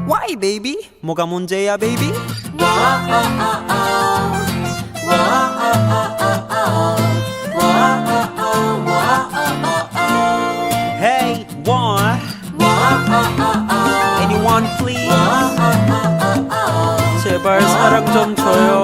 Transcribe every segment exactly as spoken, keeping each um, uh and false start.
Why baby? 뭐가 문제야 baby? Hey, what? Anyone please? 제발 사랑 좀 줘요.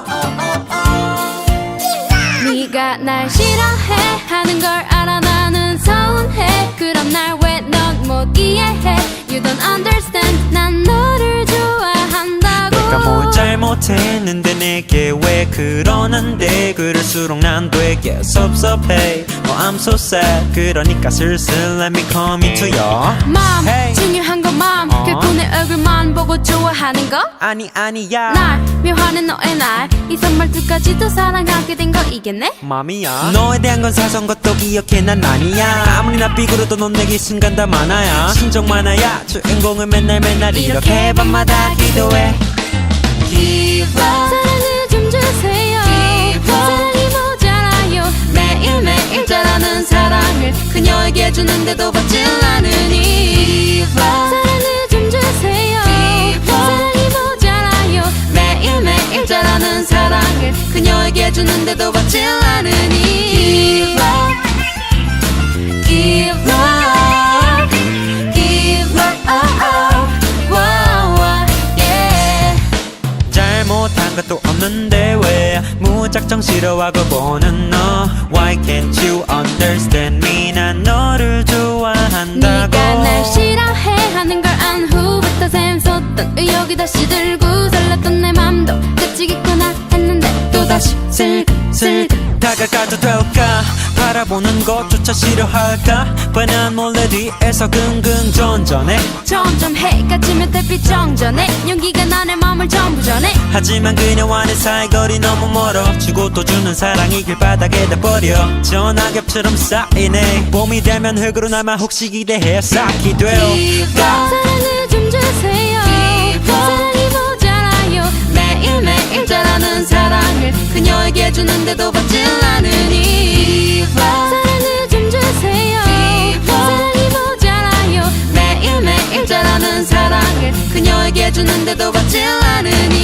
네가 날 싫어해 하는 걸 알아 나는 서운해. 그럼 날 왜 넌 못 이해해? You don't understand. 난 너를 좋아한다고. 내가 뭘 잘못했는데 내게 왜 그러는데 그럴수록 난 되게 섭섭해. Oh I'm so sad. 그러니까 슬슬 let me come into your Mom, Hey. 중요한 건 mom. 어? 결코 내 얼굴만 보고 좋아하는 거? 아니 아니야 날 묘하는 너의 날 이 선말투까지도 사랑하게 된 거 이겠네? 맘이야 너에 대한 건 사소한 것도 기억해 난 아니야. 아무리 나 삐그러도 넌 내게 순간 다 많아야 신정 많아야 주인공을 맨날 맨날 이렇게 밤마다 기도해. Give up 사랑을 좀 주세요. 사랑이 모자라요. 매일매일 자라는 사랑을 그녀에게 주는데도 받질 않으니 사랑을 좀 주세요. 사랑이 모자라요. 매일매일 자라는 사랑을 그녀에게 주는데도 받질 않으니 Give up Give up wow, wow, yeah. 잘못한 것도 없는데 왜 무작정 싫어하고 보는 너 Why can't you understand me? 난 너를 좋아한다고. 네가 날 싫어해 하는 걸 안 후부터 샘솟던 의욕이 다시 들고 설렜던 내 맘도 그치겠구나 했는데 또다시 슬슬 다가가도 될까? 바라보는 것조차 싫어할까? 뻔한 몰래 뒤에서 긍긍전전해. 점점 해가 지면 달빛 정전해. 용기가 나의 맘을 전부 전해. 하지만 그녀와는 사이거리 너무 멀어. 주고 또 주는 사랑이 길바닥에다 버려. 전화겹처럼 쌓이네. 봄이 되면 흙으로 남아 혹시 기대해 쌓기 돼요. 사랑을 좀 주세요. 사랑이 모자라요. 매일매일 자라는 사랑을 그녀에게 주는데도 받질 않으니 사랑을 좀 주세요. 사랑이 모자라요. 매일매일 자라는 사랑을 그녀에게 주는데도 받질 않으니